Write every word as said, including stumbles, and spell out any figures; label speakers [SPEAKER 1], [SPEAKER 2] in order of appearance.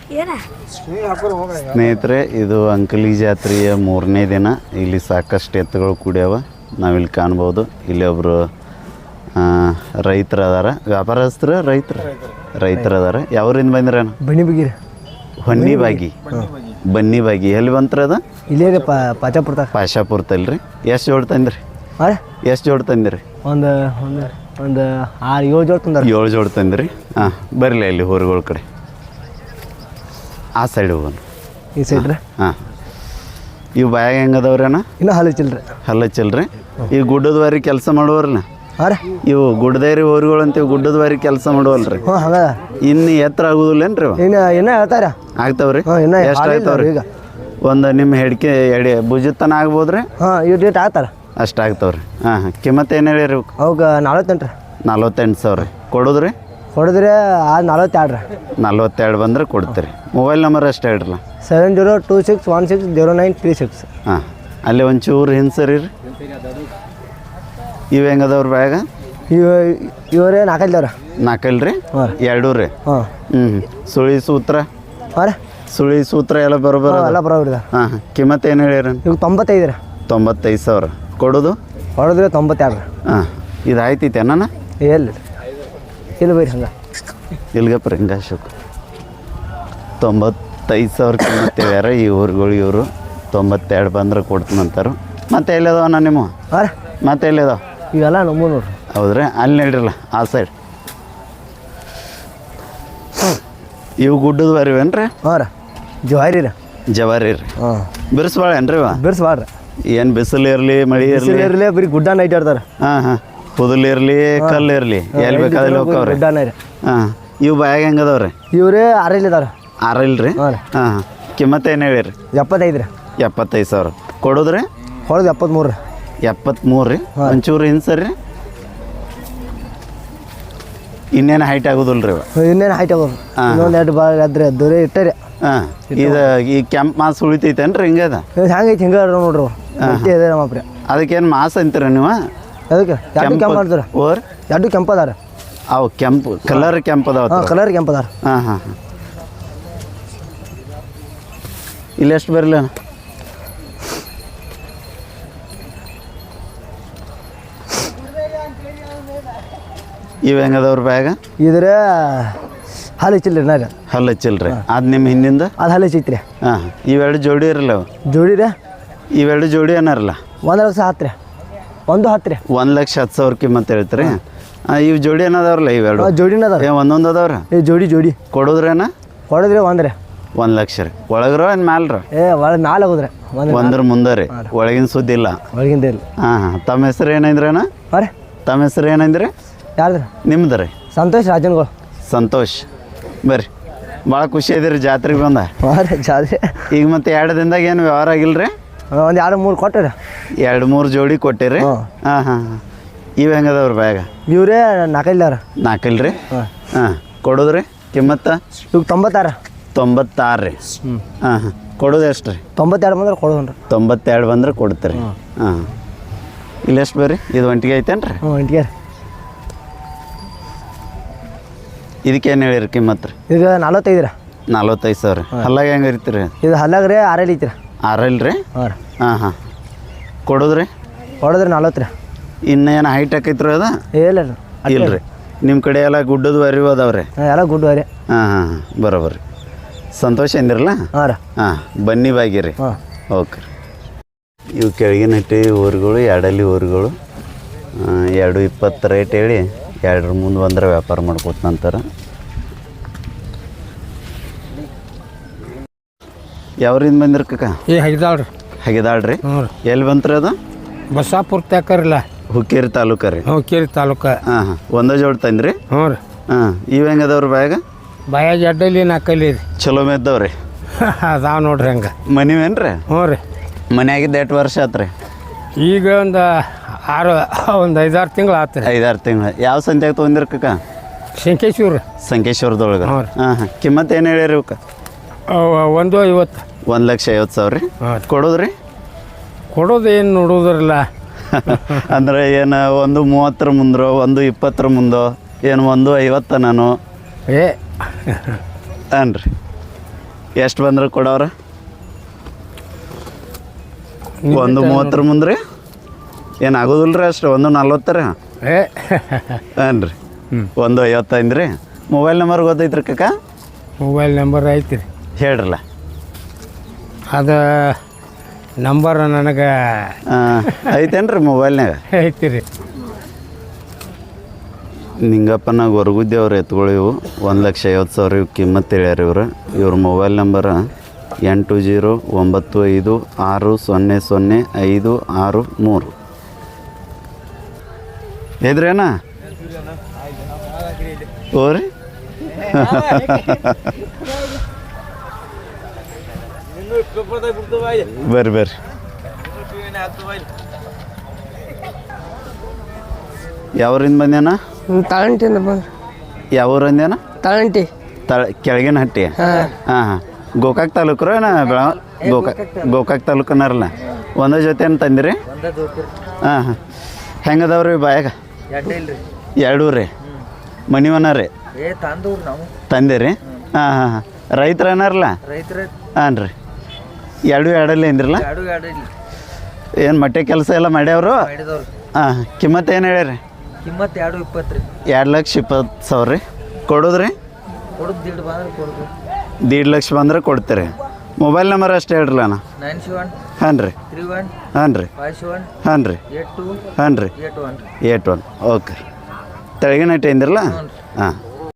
[SPEAKER 1] ಸ್ನೇಹಿತರೆ, ಇದು ಅಂಕಲಿ ಜಾತ್ರೆಯ ಮೂರನೇ ದಿನ. ಇಲ್ಲಿ ಸಾಕಷ್ಟು ಎತ್ತುಗಳು ಕೂಡ್ಯಾವ. ನಾವಿಲ್ಲಿ ಕಾಣ್ಬೋದು. ಇಲ್ಲಿ ಒಬ್ಬರು ರೈತರು ಅದಾರ, ವ್ಯಾಪಾರಸ್ಥರು, ರೈತರು ರೈತರು ಅದಾರ. ಯಾವ್ರಿಂದ ಬಂದ್ರ?
[SPEAKER 2] ಬನ್ನಿ ಬಗಿರಿ
[SPEAKER 1] ಹೊನ್ನಿ ಬಾಗಿ ಬನ್ನಿ ಬಾಗಿ ಎಲ್ಲಿ ಬಂತ್ರ ಅದ?
[SPEAKER 2] ಇಲ್ಲೇ ರೀ ಪಾಚಾಪುರ
[SPEAKER 1] ಪಾಶಾಪುರ ತಲ್ರಿ. ಎಷ್ಟು ಜೋಡ್ ತಂದ್ರಿ? ಎಷ್ಟು ಜೋಡ್ ತಂದಿರಿ? ಒಂದು
[SPEAKER 2] ಒಂದು ಒಂದು ಆರು ಏಳು ಜೋಡ್ ತಂದ
[SPEAKER 1] ಏಳು ಜೋಡ್ ತಂದ್ರಿ. ಹಾಂ, ಬರಲಿ ಅಲ್ಲಿ ಹೊರಗಳ ಕಡೆ ಆ ಸೈಡ್ ಹೋಗೋಣ.
[SPEAKER 2] ಈ ಸೈಡ್ ರೀ.
[SPEAKER 1] ಹಾಂ, ಇವು ಬಾಯಾಗ ಹೆಂಗೆ ಅದಾವ್ರಿ ಅಣ್ಣ?
[SPEAKER 2] ಇನ್ನೂ ಹಲಚಿಲ್ರಿ.
[SPEAKER 1] ಹಲಚಿಲ್ರಿ. ಈ ಗುಡ್ಡದ ವಾರಿ ಕೆಲಸ ಮಾಡುವರ್ನ?
[SPEAKER 2] ಹಾಂ ರೀ.
[SPEAKER 1] ಇವು ಗುಡ್ಡದೇರಿ ಊರುಗಳು ಅಂತೀವಿ, ಗುಡ್ಡದ ವಾರಿ ಕೆಲಸ ಮಾಡುವಲ್ರಿ?
[SPEAKER 2] ಹ್ಞೂ ಹಂಗ.
[SPEAKER 1] ಇನ್ನು ಎತ್ತರ ಆಗುದಿಲ್ಲೇನ್ರಿ?
[SPEAKER 2] ಇನ್ನು ಇನ್ನೂ ಹೇಳ್ತಾರ
[SPEAKER 1] ಆಗ್ತಾವ್ರಿ.
[SPEAKER 2] ಇನ್ನೂ
[SPEAKER 1] ಎಷ್ಟು ಆಗ್ತಾವ್ರಿ?
[SPEAKER 2] ಈಗ
[SPEAKER 1] ಒಂದು ನಿಮ್ಮ ಹೆಡ್ಕೆ ಎಡೆ ಭುಜತನ ಆಗ್ಬೋದ್ರಿ?
[SPEAKER 2] ಹಾಂ, ಇವ್ ಡೇಟ್ ಆಗ್ತಾರ.
[SPEAKER 1] ಅಷ್ಟು ಆಗ್ತಾವ್ರಿ. ಹಾಂ ಹಾಂ. ಕಿಮ್ಮತ್ತು ಏನು ಹೇಳಿರಿ?
[SPEAKER 2] ಅವಕ್ಕೆ ನಲ್ವತ್ತೆಂಟು ರೀ.
[SPEAKER 1] ನಲ್ವತ್ತೆಂಟು ಸಾವಿರ ಕೊಡೋದ್ರಿ?
[SPEAKER 2] ಹೊಡೆದ್ರೆ ಅದು ನಲ್ವತ್ತೆರಡು ರೀ.
[SPEAKER 1] ನಲ್ವತ್ತೆರಡು ಬಂದ್ರೆ ಕೊಡ್ತೀರಿ. ಮೊಬೈಲ್ ನಂಬರ್ ಅಷ್ಟು ಹೇಳ್ರಲ್ಲ.
[SPEAKER 2] Seven zero two six one six zero nine three six.
[SPEAKER 1] ಹಾಂ, ಅಲ್ಲಿ ಒಂಚೂರು ಹಿಂಸರಿ ರೀ. ಇವು ಹೆಂಗದವ್ರಿ ಬ್ಯಾಗ?
[SPEAKER 2] ಇವ ಇವರೇ ನಾಲ್ಕೈದವ್ರ.
[SPEAKER 1] ನಾಲ್ಕಲ್ಲ ರೀ?
[SPEAKER 2] ಹಾಂ.
[SPEAKER 1] ಎರಡು ರೀ?
[SPEAKER 2] ಹಾಂ.
[SPEAKER 1] ಹ್ಞೂ ಹ್ಞೂ. ಸುಳಿ ಸೂತ್ರ?
[SPEAKER 2] ಹಾಂ ರೀ.
[SPEAKER 1] ಸುಳಿ ಸೂತ್ರ ಎಲ್ಲ ಬರೋಬರ?
[SPEAKER 2] ಎಲ್ಲ ಬರೋಬ್ರಿ.
[SPEAKER 1] ಹಾಂ ಹಾಂ. ಕಿಮ್ಮತ್ತು ಏನು ಹೇಳಿರಿ?
[SPEAKER 2] ಈಗ ತೊಂಬತ್ತೈದು ರೀ.
[SPEAKER 1] ತೊಂಬತ್ತೈದು ಸಾವಿರ ಕೊಡೋದು?
[SPEAKER 2] ಹೊಡೆದ್ರೆ ತೊಂಬತ್ತೆರಡು ರೀ.
[SPEAKER 1] ಹಾಂ, ಇದು ಆಯ್ತೈತೆ ಅಣ್ಣ?
[SPEAKER 2] ಎಲ್ಲಿ ಇಲ್ಲಿ ಬೈರಿ ಹಂಗೆ
[SPEAKER 1] ಇಲ್ಗಪ್ಪ ರೀ. ಹಿಂಗೆ ಅಶೋಕ್ ತೊಂಬತ್ತೈದು ಸಾವಿರ ಕಿಮ್ಮತ್ತು ಹೇಳ್ಯಾರ ಈ ಊರುಗಳು. ಇವರು ತೊಂಬತ್ತೆರಡು ಬಂದ್ರೆ ಕೊಡ್ತೀನಂತಾರು. ಮತ್ತೆ ಎಲ್ಲಿದಾವಣ್ಣ ನಿಮ್ಮ?
[SPEAKER 2] ಹಾಂ ರೀ.
[SPEAKER 1] ಮತ್ತೆ ಎಲ್ಲಿದಾವ?
[SPEAKER 2] ಇವೆಲ್ಲ ನಮ್ಮ ನೋಡ್ರಿ.
[SPEAKER 1] ಹೌದ್ರಿ? ಅಲ್ಲಿ ನಡೀರಲ್ಲ ಆ ಸೈಡ್. ಇವು ಗುಡ್ಡದ ಬರಿವೇನ್ರಿ?
[SPEAKER 2] ಹಾಂ ರೀ. ಜವಾರಿ ರೀ.
[SPEAKER 1] ಜವಾರಿ ರೀ.
[SPEAKER 2] ಹಾಂ.
[SPEAKER 1] ಬಿರ್ಸ್ಬಾಳೇನ್ರಿ ಇವ?
[SPEAKER 2] ಬಿರ್ಸ್ಬಾಡ್ರಿ.
[SPEAKER 1] ಏನು ಬಿಸಿಲು ಇರಲಿ ಮಳೆ ಇರಲಿ
[SPEAKER 2] ಇರಲಿ ಬರೀ ಗುಡ್ಡ ನೈಟ್ ಇರ್ತಾರೆ.
[SPEAKER 1] ಹಾಂ ಹಾಂ. ಹುದಲು ಇರಲಿ ಕಲ್ಲು ಇರಲಿ ಎಲ್ಲಿ ಬೇಕಾದಲ್ಲಿ ಹೋಗ್ತಾವ್ರಿ.
[SPEAKER 2] ಗುಡ್ಡನೇ ರೀ.
[SPEAKER 1] ಹಾಂ. ಇವು ಬಾಯಾಗ ಹೆಂಗದವ್ರಿ?
[SPEAKER 2] ಇವ್ರೇ ಆರಲ್ಲಿ ಇದಾರೆ.
[SPEAKER 1] ಆರಲ್ಲ ರೀ?
[SPEAKER 2] ಹಾಂ ರೀ.
[SPEAKER 1] ಹಾಂ ಹಾಂ. ಕಿಮ್ಮತ್ತು ಏನು ಹೇಳಿರಿ?
[SPEAKER 2] ಎಪ್ಪತ್ತೈದು ರೀ.
[SPEAKER 1] ಎಪ್ಪತ್ತೈದು ಸಾವಿರ ಕೊಡೋದ್ರಿ?
[SPEAKER 2] ಹೊಡೆದು ಎಪ್ಪತ್ತ್ಮೂರು ರೀ.
[SPEAKER 1] ಎಪ್ಪತ್ತ್ಮೂರು ರೀ. ಒಂಚೂರು ಇನ್ಸರಿ. ಇನ್ನೇನು ಹೈಟ್ ಆಗೋದಿಲ್ಲ ರೀ?
[SPEAKER 2] ಇನ್ನೇನು ಹೈಟ್ ಆಗೋದು. ಇನ್ನೊಂದು ಎರಡು ಬಾಳ ಅದ್ರೆ ದೂರ ಇಟ್ಟೆ ರೀ.
[SPEAKER 1] ಹಾಂ. ಇದು ಈ ಕೆಂಪ್ ಮಾಸ್ ಉಳಿತೈತೇನ್ರಿ? ಹಿಂಗೆ ಅದ?
[SPEAKER 2] ಹೆಂಗೈತಿ ಹಿಂಗೆ ನೋಡ್ರಿ. ಗಟ್ಟಿ ಇದೆ ನಮ್ಮಪ್ರಿ.
[SPEAKER 1] ಅದಕ್ಕೇನು ಮಾಸ್ ಅಂತೀರ ನೀವು?
[SPEAKER 2] ಅದಕ್ಕೆ ಎರಡು ಕೆಂಪು ಮಾಡ್ತಾರೆ.
[SPEAKER 1] ಓರ್
[SPEAKER 2] ಎರಡು ಕೆಂಪು ಅದಾರ.
[SPEAKER 1] ಅವು ಕೆಂಪು ಕಲರ್ ಕೆಂಪು ಅದಾವ?
[SPEAKER 2] ಹಾಂ, ಕಲರ್ ಕೆಂಪು ಅದಾರ.
[SPEAKER 1] ಹಾಂ ಹಾಂ ಹಾಂ. ಇಲ್ಲಿ ಎಷ್ಟು ಬರಲಿ? ಇವು ಹೆಂಗದವ್ರ ಬ್ಯಾಗ?
[SPEAKER 2] ಇದ್ರೆ ಹಾಲು ಹಚ್ಚಿಲ್ಲ ರೀ. ನಾಗ
[SPEAKER 1] ಹಲ್ಲು ಹಚ್ಚಿಲ್ರಿ? ಅದು ನಿಮ್ಮ ಹಿಂದಿಂದ
[SPEAKER 2] ಅದು ಹಾಲು ಹಚ್ಚೈತ್ರಿ.
[SPEAKER 1] ಹಾಂ. ಇವೆರಡು ಜೋಡಿ ಇರಲ್ಲ? ಅವು
[SPEAKER 2] ಜೋಡಿ ರೀ.
[SPEAKER 1] ಇವೆರಡು ಜೋಡಿ ಏನಾರಲ್ಲ?
[SPEAKER 2] ಒಂದು ಲಕ್ಷ ಹತ್ತು ರೀ. ಒಂದು ಹತ್ತು ರೀ.
[SPEAKER 1] ಒಂದು ಲಕ್ಷ ಹತ್ತು ಸಾವಿರ ಕಿಮ್ಮತ್ತು ಹೇಳ್ತೀರಿ? ಇವು ಜೋಡಿ ಏನದವ್ರಲ್ಲ ಇವೆರಡು?
[SPEAKER 2] ಜೋಡಿನ ಅದಾವ.
[SPEAKER 1] ಏ ಒಂದೊಂದು ಅದಾವ್ರ?
[SPEAKER 2] ಏ ಜೋಡಿ ಜೋಡಿ
[SPEAKER 1] ಕೊಡೋದ್ರೇನ?
[SPEAKER 2] ಹೊಡೆದ್ರಿ ಒಂದು ರೀ.
[SPEAKER 1] ಒಂದು ಲಕ್ಷ ರೀ. ಒಳಗ್ರ ಏನು ಮ್ಯಾಲ್ರ?
[SPEAKER 2] ಏ ಒಳಗೆ ಮ್ಯಾಲೆ ಹೋದ್ರಿ.
[SPEAKER 1] ಒಂದ್ರ ಮುಂದೆ ರೀ? ಒಳಗಿನ ಸುದ್ದಿ ಇಲ್ಲ?
[SPEAKER 2] ಒಳಗಿಂದ ಇಲ್ಲ.
[SPEAKER 1] ಹಾಂ ಹಾಂ. ತಮ್ಮ ಹೆಸರು ಏನಂದ್ರೇನ?
[SPEAKER 2] ಹಾಂ ರೀ.
[SPEAKER 1] ತಮ್ಮ ಹೆಸರು ಏನಂದ್ರಿ?
[SPEAKER 2] ಯಾರ್ದು?
[SPEAKER 1] ನಿಮ್ದು ರೀ?
[SPEAKER 2] ಸಂತೋಷ್ ರಾಜನ್ಗಳು.
[SPEAKER 1] ಸಂತೋಷ್. ಬರ್ರಿ. ಭಾಳ ಖುಷಿ ಇದೀರಿ ಜಾತ್ರೆಗೆ ಬಂದ?
[SPEAKER 2] ಹಾಂ ರೀ. ಜಾತ್ರೆ
[SPEAKER 1] ಈಗ ಮತ್ತೆ ಎರಡು ದಿನದಾಗ ಏನು ವ್ಯವಹಾರ ಆಗಿಲ್ಲ ರೀ?
[SPEAKER 2] ಒಂದು ಎರಡು ಮೂರು ಕೊಟ್ಟರಿ. ಎರಡು
[SPEAKER 1] ಮೂರು ಜೋಡಿ ಕೊಟ್ಟಿರಿ? ಹಾಂ ಹಾಂ ಹಾಂ. ಇವು ಹೆಂಗದವ್ರಿ ಬ್ಯಾಗ?
[SPEAKER 2] ಇವ್ರೇ ನಾಲ್ಕೈದಾರ.
[SPEAKER 1] ನಾಲ್ಕಲ್ಲ ರೀ? ಹಾಂ ಹಾಂ. ಕೊಡೋದ್ರಿ ಕಿಮ್ಮತ್ತ?
[SPEAKER 2] ಇವಾಗ ತೊಂಬತ್ತಾರ.
[SPEAKER 1] ತೊಂಬತ್ತಾರು ರೀ? ಹ್ಞೂ ಹಾಂ ಹಾಂ. ಕೊಡೋದು ಎಷ್ಟು ರೀ?
[SPEAKER 2] ತೊಂಬತ್ತೆರಡು ಬಂದ್ರೆ ಕೊಡೋಣ.
[SPEAKER 1] ತೊಂಬತ್ತೆರಡು ಬಂದ್ರೆ ಕೊಡ್ತೀರಿ? ಹಾಂ. ಇಲ್ಲಿ ಎಷ್ಟು ಬರ್ರಿ? ಇದು ಒಂಟಿಗೆ ಐತೇನು ರೀ?
[SPEAKER 2] ಹ್ಞೂ ಒಂಟಿಗೆ.
[SPEAKER 1] ಇದಕ್ಕೇನು ಹೇಳಿರಿ ಕಿಮ್ಮತ್ತು ರೀ?
[SPEAKER 2] ಈಗ ನಲ್ವತ್ತೈದು ರೀ.
[SPEAKER 1] ನಲ್ವತ್ತೈದು ಸಾವಿರ. ಹಲ್ಲಾಗ ಹೆಂಗೆ ಇರ್ತೀರಿ?
[SPEAKER 2] ಇದು ಹಲ್ಲಾಗ ರೀ ಆರಲ್ಲಿ ಐತಿ ರೀ.
[SPEAKER 1] ಆರಲ್ಲ ರೀ?
[SPEAKER 2] ಹಾಂ ರೀ.
[SPEAKER 1] ಹಾಂ ಹಾಂ. ಕೊಡೋದ್ರಿ?
[SPEAKER 2] ಹೊಡೆದ್ರಿ ನಲ್ವತ್ತು ರೀ.
[SPEAKER 1] ಇನ್ನೇನು ಹೈಟ್ ಆಕೈತ್ರಿ ಅದು?
[SPEAKER 2] ಇಲ್ಲ ರೀ.
[SPEAKER 1] ಇಲ್ಲ ರೀ. ನಿಮ್ಮ ಕಡೆ ಎಲ್ಲ ಗುಡ್ಡದ ಅರಿವು ಅದಾವ್ರಿ?
[SPEAKER 2] ಹಾಂ, ಎಲ್ಲ ಗುಡ್ಡು ರೀ.
[SPEAKER 1] ಹಾಂ ಹಾಂ ಹಾಂ. ಬರೋಬರ್ರಿ. ಸಂತೋಷ ಅಂದಿರಲ್ಲ?
[SPEAKER 2] ಹಾಂ ರೀ.
[SPEAKER 1] ಹಾಂ. ಬನ್ನಿ ಬಾಗಿರಿ.
[SPEAKER 2] ಹಾಂ.
[SPEAKER 1] ಓಕೆ ರೀ. ಇವು ಕೆಳಗಿನ ಹಟ್ಟಿ ಊರುಗಳು, ಎರಡಲ್ಲಿ ಊರುಗಳು. ಎರಡು ಇಪ್ಪತ್ತು ರೇಟ್ ಹೇಳಿ ಎರಡರ ಮುಂದೆ ಬಂದ್ರೆ ವ್ಯಾಪಾರ ಮಾಡ್ಕೋತ ನಂತರ. ಯಾವ್ರಿಂದ ಬಂದಿರ ಕಕ್ಕ?
[SPEAKER 3] ಏ ಹಗಿದಾಳ್ರಿ.
[SPEAKER 1] ಹಗಿದಾಳ್ರಿ?
[SPEAKER 3] ಹ್ಞೂ ರೀ.
[SPEAKER 1] ಎಲ್ಲಿ ಬಂತ್ರಿ ಅದು?
[SPEAKER 3] ಬಸಾಪುರ ತಕರಿಲ್ಲ.
[SPEAKER 1] ಹುಕ್ಕೇರಿ ತಾಲೂಕ ರೀ?
[SPEAKER 3] ಹುಕ್ಕೇರಿ ತಾಲೂಕು.
[SPEAKER 1] ಹಾಂ ಹಾಂ. ಒಂದೇ ಜೋಡಿ ತಂದ್ರಿ?
[SPEAKER 3] ಹ್ಞೂ ರೀ.
[SPEAKER 1] ಹಾಂ. ಇವು ಹೆಂಗದವ್ರಿ ಬ್ಯಾಗ?
[SPEAKER 3] ಬಾಯಾಗ ಎಡ್ಡಲ್ಲಿ ನಾಲ್ಕಲ್ಲಿ ರೀ.
[SPEAKER 1] ಚಲೋ ಮೇದ್ದವ್ರಿ?
[SPEAKER 3] ಅದಾವ ನೋಡ್ರಿ ಹಂಗೆ.
[SPEAKER 1] ಮನಿವೇನ್ರಿ?
[SPEAKER 3] ಹ್ಞೂ ರೀ.
[SPEAKER 1] ಮನ್ಯಾಗಿದ್ದು ಎಷ್ಟು ವರ್ಷ ಆತು ರೀ?
[SPEAKER 3] ಈಗ ಒಂದು ಆರು ಒಂದು ಐದಾರು ತಿಂಗಳು ಆತು ರೀ.
[SPEAKER 1] ಐದಾರು ತಿಂಗಳು. ಯಾವ ಸಂತ್ಯಾಗ ತೊಗೊಂದಿರ ಕಕ್ಕ?
[SPEAKER 3] ಶಂಕೇಶ್ವರ.
[SPEAKER 1] ಸಂಕೇಶ್ವರದೊಳಗೆ?
[SPEAKER 3] ಹಾಂ ರೀ.
[SPEAKER 1] ಹಾಂ ಹಾಂ. ಕಿಮ್ಮತ್ತು ಏನು ಹೇಳಿರಿ ಇವಕ್ಕೆ?
[SPEAKER 3] ಒಂದು ಐವತ್ತು.
[SPEAKER 1] ಒಂದು ಲಕ್ಷ ಐವತ್ತು ಸಾವಿರ ರೀ?
[SPEAKER 3] ಹಾಂ.
[SPEAKER 1] ಕೊಡೋದ್ರಿ?
[SPEAKER 3] ಕೊಡೋದು ಏನು ನೋಡೋದ್ರಲ್ಲ.
[SPEAKER 1] ಅಂದ್ರೆ ಏನು ಒಂದು ಮೂವತ್ತರ ಮುಂದೋ ಒಂದು ಇಪ್ಪತ್ತರ ಮುಂದೋ ಏನು ಒಂದು ಐವತ್ತ ನಾನು?
[SPEAKER 3] ಏ
[SPEAKER 1] ಹಾಂ ರೀ. ಎಷ್ಟು ಬಂದ್ರೆ ಕೊಡವ್ರ ಒಂದು ಮೂವತ್ತರ ಮುಂದೆ ರೀ ಏನು ಆಗೋದಿಲ್ಲ ರೀ ಅಷ್ಟು ಒಂದು ನಲ್ವತ್ತರ
[SPEAKER 3] ಏ
[SPEAKER 1] ಹಾಂ ರೀ ಒಂದು ಐವತ್ತೈದು ರೀ ಮೊಬೈಲ್ ನಂಬರ್ ಗೊತ್ತೈತ್ರಿ ಕಕ್ಕ
[SPEAKER 3] ಮೊಬೈಲ್ ನಂಬರ್ ಐತಿ ರೀ
[SPEAKER 1] ಹೇಳ್ರಲ್ಲ
[SPEAKER 3] ಅದು ನಂಬರ್ ನನಗೆ
[SPEAKER 1] ಹಾಂ ಐತೇನು ರೀ ಮೊಬೈಲ್ನಾಗ
[SPEAKER 3] ಐತಿ ರೀ
[SPEAKER 1] ನಿಂಗಪ್ಪನಾಗ ಹೊರಗುದ್ದೆ ಅವ್ರು ಎತ್ಕೊಳ್ಳಿವು ಒಂದು ಲಕ್ಷ ಐವತ್ತು ಸಾವಿರ ಇವು ಕಿಮ್ಮತ್ತು ಹೇಳ್ಯಾರ ಇವ್ರು ಇವ್ರ ಮೊಬೈಲ್ ನಂಬರ ಎಂಟು ಜೀರೋ ಒಂಬತ್ತು ಐದು ಆರು ಸೊನ್ನೆ ಸೊನ್ನೆ ಐದು ಆರು ಮೂರು ಇದ್ರೇನ ಓರಿ ಬರ್ರಿ ಬರ್ರಿ ಯಾವ್ರಿಂದ ಬಂದ್ಯಾನ
[SPEAKER 2] ತಾಳಂಟಿಂದ ಬಂದ್ರಿ
[SPEAKER 1] ಯಾವ ಊರು ಅಂದ್ಯಾನ
[SPEAKER 2] ತಾಳಂಟಿ
[SPEAKER 1] ತಳ ಕೆಳಗಿನ ಹಟ್ಟಿ ಹಾಂ ಹಾಂ ಗೋಕಾಕ್ ತಾಲೂಕ್ರು ಏನ ಬೆಳವ ಗೋಕಾಕ್ ಗೋಕಾಕ್ ತಾಲೂಕನಾರಲ್ಲ ಒಂದೇ ಜೊತೆ ಏನು ತಂದಿರಿ ಹಾಂ ಹಾಂ ಹೆಂಗದವ್ರಿ ಬಾಯಾಗ ಎರಡೂ ರೀ ಮನಿವನ ರೀ ತಂದಿರಿ ಹಾಂ ಹಾಂ ಹಾಂ ರೈತರ ಏನಾರಲ್ಲ ಹಾಂ ರೀ ಎರಡು ಎರಡಲ್ಲಿ ಏನ್ರಲ್ಲ ಏನು ಮಟ್ಟೆ ಕೆಲಸ ಎಲ್ಲ ಮಾಡ್ಯಾವ್ರು ಹಾಂ ಕಿಮ್ಮತ್ತು ಏನು ಹೇಳ್ಯಾರಿ
[SPEAKER 2] ಕಿಮ್ಮತ್ತು ಎರಡು ಇಪ್ಪತ್ತು ರೀ
[SPEAKER 1] ಎರಡು ಲಕ್ಷ ಇಪ್ಪತ್ತು ಸಾವಿರ ರೀ ಕೊಡೋದ್ರಿ
[SPEAKER 2] ಕೊಡೋದು ದೀಡ್ ಬಂದ್ರೆ ಕೊಡೋದು
[SPEAKER 1] ದೀಡ್ ಲಕ್ಷ ಬಂದ್ರೆ ಕೊಡ್ತೀರಿ ಮೊಬೈಲ್ ನಂಬರ್ ಅಷ್ಟು ಹೇಳ್ರಲ್ಲ ಅಣ್ಣ
[SPEAKER 2] ನೈನ್ ಸೆವೆನ್
[SPEAKER 1] ಹಾಂ ರೀ
[SPEAKER 2] ತ್ರೀ ಒನ್
[SPEAKER 1] ಹಾಂ ರೀ
[SPEAKER 2] ಫೈವ್ ಸೆವೆನ್
[SPEAKER 1] ಹಾಂ ರೀ
[SPEAKER 2] ಏಟ್ ಟು
[SPEAKER 1] ಹಾಂ ರೀ
[SPEAKER 2] eight one
[SPEAKER 1] eight one okay ತೆಳಗಿನ ಹಟ್ಟಿ ಅಂದಿರಲ್ಲ ಹಾಂ